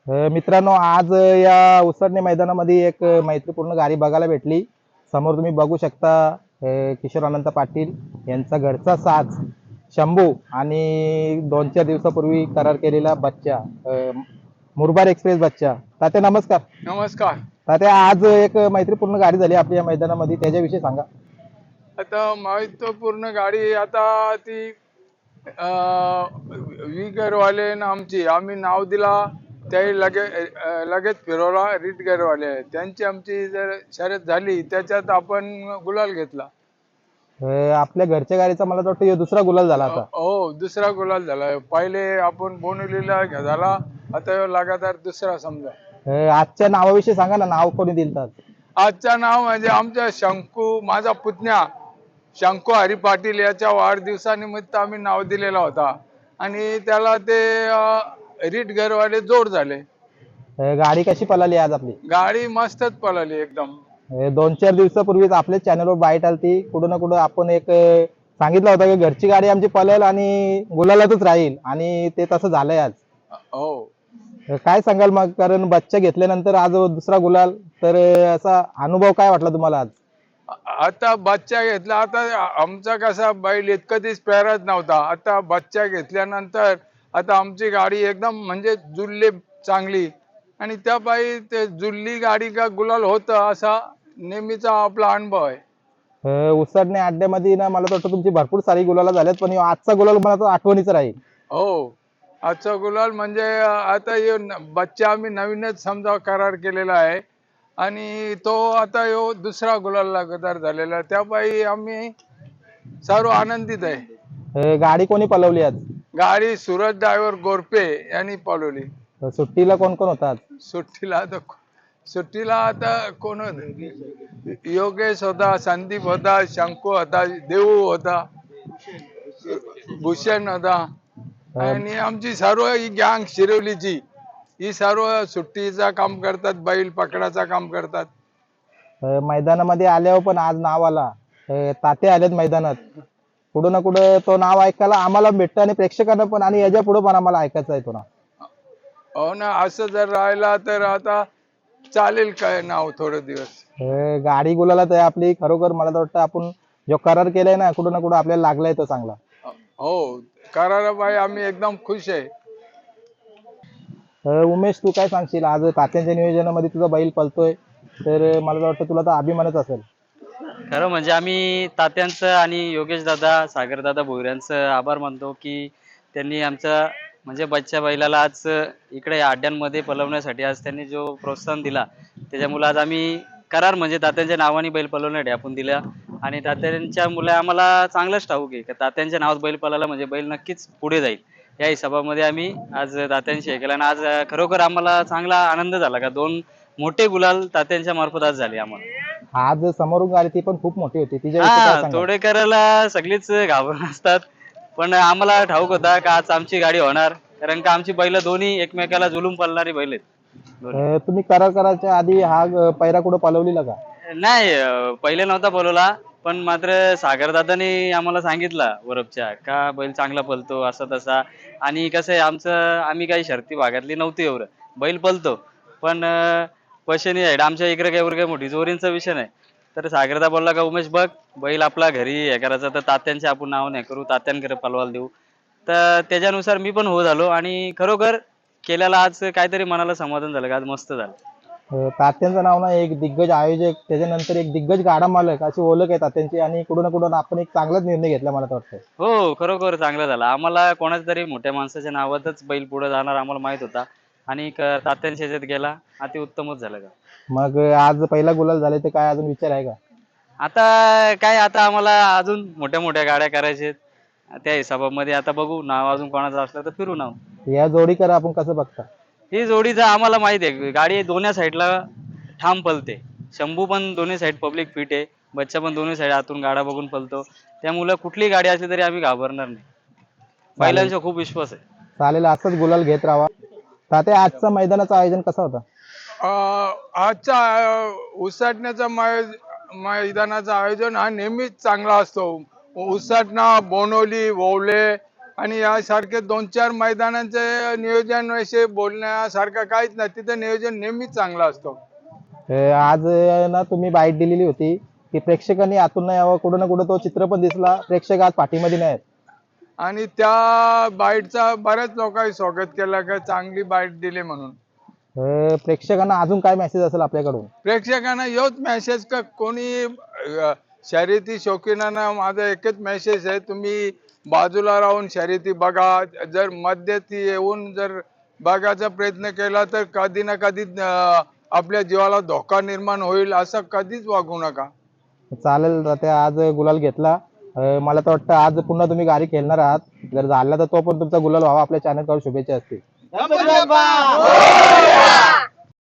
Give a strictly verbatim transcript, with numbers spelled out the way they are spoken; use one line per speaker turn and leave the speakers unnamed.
अ, मित्रांनो, आज या उसरणे मैदानामध्ये एक मैत्रीपूर्ण गाडी बघायला भेटली. समोर तुम्ही बघू शकता अ, किशोर अनंत पाटील यांचा घरचा साज शंभू आणि दोन चार दिवसापूर्वी करार केलेला बच्चा, अ, मुरबाड एक्सप्रेस बच्चा. तात्या नमस्कार.
नमस्कार.
तात्या, आज एक मैत्रीपूर्ण गाडी झाली आपल्या या मैदानामध्ये, त्याच्याविषयी सांगा.
आता महत्वपूर्ण गाडी आता ती वीगरवाले ना आमची आम्ही नाव दिला त्याही लगे अ, लगेच फिरवला. रीटगरवाले त्यांची आमची जर शर्यत झाली त्याच्यात आपण गुलाल घेतला.
अ, आपल्या घरच्या गाडीचा मला तर वाटतं ह्यो दुसरा गुलाल झाला
अ,
आता.
हो, दुसरा गुलाल झाला. पहिले आपण बोनिवलीला झाला, आता ह्यो लगातार दुसरा समजा.
अ, आजच्या नावाविषयी सांगा ना, नाव कोणी दिलं?
आजचं नाव म्हणजे आमच्या शंकू, माझा पुतण्या शंकू हरी पाटील याच्या वाढदिवसानिमित्त आम्ही नाव दिलेला होता आणि त्याला ते रीट घरवाले जोड झाले.
गाडी कशी पळाली आज आपली?
गाडी मस्तच पळाली एकदम.
हे दोन चार दिवसापूर्वीच आपल्या चॅनलवर बाईट आलती. कुठं ना कुठं आपण एक अ, सांगितलं होतं की घरची गाडी आमची पळेल आणि गुलालातच राहील, आणि ते तसं झालंय आज.
हो,
अ, काय सांगाल मग? कारण बच्चा घेतल्यानंतर आज दुसरा गुलाल, तर अ, असा अनुभव काय वाटला तुम्हाला आज?
आ- आता बच्चा घेतला. आता आमचा कसा बैल कधीच पेरत नव्हता. आता बच्चा घेतल्यानंतर आता आमची गाडी एकदम म्हणजे जुळली चांगली आणि त्या पायी ते जुळली गाडी का गुलाल होतं असा नेहमीचा आपला अनुभव आहे.
अ, उसरणे अड्ड्यामध्ये ना मला तर वाटतं तुमची भरपूर सारी गुलाला झाल्यात, पण ह्यो आजचा गुलाल मला तर आठवणीचा राहील.
हो, आजचा गुलाल म्हणजे आता ह्यो न- बच्चा आम्ही नवीनच समजा करार केलेला आहे आणि तो आता ह्यो दुसरा गुलाल लगातार झालेला आहे. त्यापायी आम्ही सर्व आनंदित आहे.
अ, गाडी कोणी पळवली आज?
गाडी सूरज ड्रायव्हर गोरपे यांनी पळवली.
अ, सुट्टीला कोण कोण होता आज?
सुट्टीला आता सुट्टीला आता कोण होते? योगेश होता, संदीप होता, शंकू होता, देऊ होता, भूषण होता
अ,
आणि आमची सर्व ही गँग शिरवलीची ही सर्व सुट्टीचा काम करतात, बैल पकडाचा काम करतात.
अ, मैदानामध्ये आल्यावर पण आज नाव आला. अ, तात्या आलेत मैदानात. कुठं ना कुठं तो नाव ऐकायला आम्हाला भेटतं आणि प्रेक्षकांना पण, आणि याच्या पुढे पण आम्हाला ऐकायचा आहे तो नाव.
हो ना, असं जर राहिला तर आता चालेल काय नाव थोडे दिवस.
अ, गाडी गुलालात आहे आपली. खरोखर मला तर वाटतं आपण जो करार केलाय ना, कुठं ना कुठं आपल्याला लागलाय तो चांगला.
हो, कराराबाई आम्ही एकदम खुश आहे.
अ, उमेश, तू काय सांगशील? आज तात्यांच्या नियोजनामध्ये तुझा बैल पळतोय, तर अ, मला तर वाटतं तुला तर अभिमानच असेल.
खरं म्हणजे आम्ही तात्यांचं आणि योगेश दादा, सागर दादा भोईरांचं आभार मानतो की त्यांनी आमचा म्हणजे बच्चा बैलाला आज इकडे या अड्ड्यांमध्ये पळवण्यासाठी आज त्यांनी जो प्रोत्साहन दिला, त्याच्यामुळे आज आम्ही करार म्हणजे तात्यांच्या नावाने बैल पळवण्यासाठी आपण दिला. आणि तात्यांच्या मुलं आम्हाला चांगलंच ठाऊक आहे की तात्यांच्या नावात बैल पळाला म्हणजे बैल नक्कीच पुढे जाईल. या हिशोबामध्ये आम्ही आज तात्यांशी हे केलं आणि आज खरोखर आम्हाला चांगला आनंद झाला का दोन मोठे गुलाल तात्यांच्या मार्फत आज झाले आम्हाला.
आज समोरून गाडी ती पण खूप मोठी होती, तिच्याविषयी काय
हा,
सांगाल?
तोडेकरला सगळीच घाबरून असतात, पण आम्हाला ठाऊक होता का आज आमची गाडी होणार, कारण का आमची बैल दोन्ही एकमेकाला जुलूम पळणारी बैल आहेत दोन्ही.
अ, तुम्ही करार करायच्या आधी हा अ, पैरा कुठं पळवलेला का?
नाही, अं, पहिले नव्हता बोलवला, पण मात्र सागरदादांनी आम्हाला सांगितलं वरपच्या का बैल चांगला पळतो असा तसा. आणि कसं आहे आमचं, आम्ही काही शर्ती भागातली नव्हती एवढं, बैल पळतो पण अं, पैशाने आहे आमच्या इकडे काही काही मोठी जोरींचा विषय नाही. तर सागरदा बोलला का उमेश बघ, बैल आपला घरी हे करायचं तर तात्यांचे आपण नाव नाही करू, तात्यांकडे पलवाल देऊ. तर त्याच्यानुसार मी पण हो झालो आणि खरोखर केल्याला आज काहीतरी मनाला समाधान झालं का आज मस्त झालं.
अ, तात्यांचं नाव ना एक दिग्गज आयोजक, त्याच्यानंतर एक दिग्गज गाडा मालक अशी ओळख आहे तात्यांची, आणि कुठं ना कुठं आपण एक चांगलाच निर्णय घेतला मला तर वाटतं.
हो, खरोखर चांगलं झालं. आम्हाला कोणाच्या तरी मोठ्या माणसाच्या नावातच बैल पुढे जाणार आम्हाला माहित होता आणि क तात्यांच्या ह्याच्यात गेला, अति उत्तमच झालं का.
मग अ, आज पहिला गुलाल झाले, तर काय अजून विचार आहे का?
आता काय, आता आम्हाला अजून मोठ्या मोठ्या गाड्या करायच्या आहेत. त्या हिशोबामध्ये आता बघू, नाव अजून कोणाचं असलं तर फिरू नाव.
या जोडीकर आपण कसं बघता?
ही जोडीचं आम्हाला माहित आहे, गाडी दोन्ही साईडला ठाम पलते. शंभू पण दोन्ही साईड पब्लिक फिट आहे, बच्चा पण दोन्ही साईड आतून गाडा बघून पलतो. त्यामुळे कुठली गाडी असली तरी आम्ही घाबरणार नाही.
चालेल.
बैलांचा खूप विश्वास आहे.
चालेल, असंच गुलाल घेत राहा. तात्या, आजचं मैदानाचं आयोजन कसं होतं?
अं, आजचा अं, उसाटण्याचा मै- मैदानाचं आयोजन हा नेहमीच चांगला असतो. उसाटणा, बोनवली, ववले आणि यासारखे दोन चार मैदानांचे नियोजन विषयी बोलण्यासारखं काहीच नाही, तिथं नियोजन नेहमीच चांगलं असतं.
अं, आज अं, ना तुम्ही बाईट दिलेली होती की प्रेक्षकांनी आतून नाही यावं, कुठं ना कुठं तो चित्र पण दिसला, प्रेक्षक आज पाठीमध्ये नाहीत.
आणि त्या बाईटचा बऱ्याच लोकांनी स्वागत केलं का चांगली बाईट दिली म्हणून.
अं, प्रेक्षकांना अजून काय मेसेज असेल आपल्याकडून?
प्रेक्षकांना योच मेसेज का कोणी अ, शर्यती शौकीनांना माझा एकच मेसेज आहे, तुम्ही बाजूला राहून शर्यती बघा. जर मध्यस्थी येऊन जर बघायचा प्रयत्न केला तर कधी ना कधी अ, आपल्या जीवाला धोका निर्माण होईल, असं कधीच वागू नका.
चालेल तात्या, आज गुलाल घेतला. अं, मला तर वाटतं आज पुन्हा तुम्ही गाडी खेळणार आहात. जर झाला तर तो पण तुमचा गुलाल व्हावा, आपल्या चॅनलवर शुभेच्छा असतील.